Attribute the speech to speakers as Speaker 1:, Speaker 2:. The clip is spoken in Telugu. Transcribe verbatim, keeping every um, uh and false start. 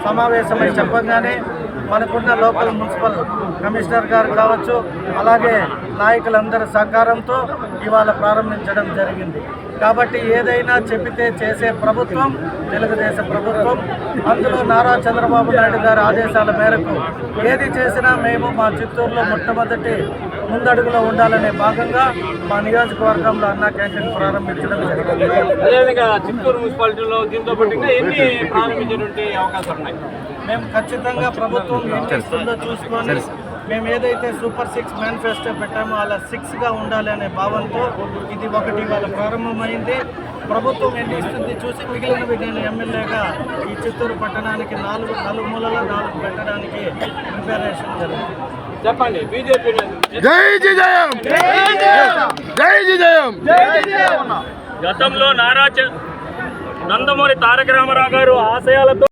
Speaker 1: సమావేశమై చెప్పగానే మనకున్న లోకల్ మున్సిపల్ కమిషనర్ గారు కావచ్చు, అలాగే నాయకులందరి సహకారంతో ఇవాళ ప్రారంభించడం జరిగింది. కాబట్టి ఏదైనా చెప్పితే చేసే ప్రభుత్వం తెలుగుదేశం ప్రభుత్వం. అందులో నారా చంద్రబాబు నాయుడు గారి ఆదేశాల మేరకు ఏది చేసినా మేము మా చిత్తూరులో మొట్టమొదటి ముందడుగులో ఉండాలనే భాగంగా మా నియోజకవర్గంలో అన్నా క్యాంటీన్ ప్రారంభించడం జరిగింది.
Speaker 2: అదేవిధంగా చిత్తూరు మున్సిపాలిటీలో దీంతో పాటు ఎన్ని ప్రారంభించేటువంటి అవకాశాలు ఉన్నాయి?
Speaker 1: మేము ఖచ్చితంగా ప్రభుత్వం ఏం చేస్తుందో చూసుకొని మేము ఏదైతే సూపర్ సిక్స్ మేనిఫెస్టో పెట్టామో అలా సిక్స్గా ఉండాలి అనే భావంతో ఇది ఒకటి ఇవాళ ప్రారంభమైంది. ప్రభుత్వం ఎన్ని ఇస్తుంది చూసి మిగిలినవి నేను ఎమ్మెల్యేగా ఈ చిత్తూరు పట్టణానికి నాలుగు నాలుగు మూలలో నాలుగు పెట్టడానికి ప్రిపరేషన్ జరుగుతుంది.
Speaker 2: చెప్పండి. బీజేపీ
Speaker 3: జై జయం, జై జయం.
Speaker 2: గతంలో నారా నందమూరి తారక రామారావు గారు ఆశయాలతో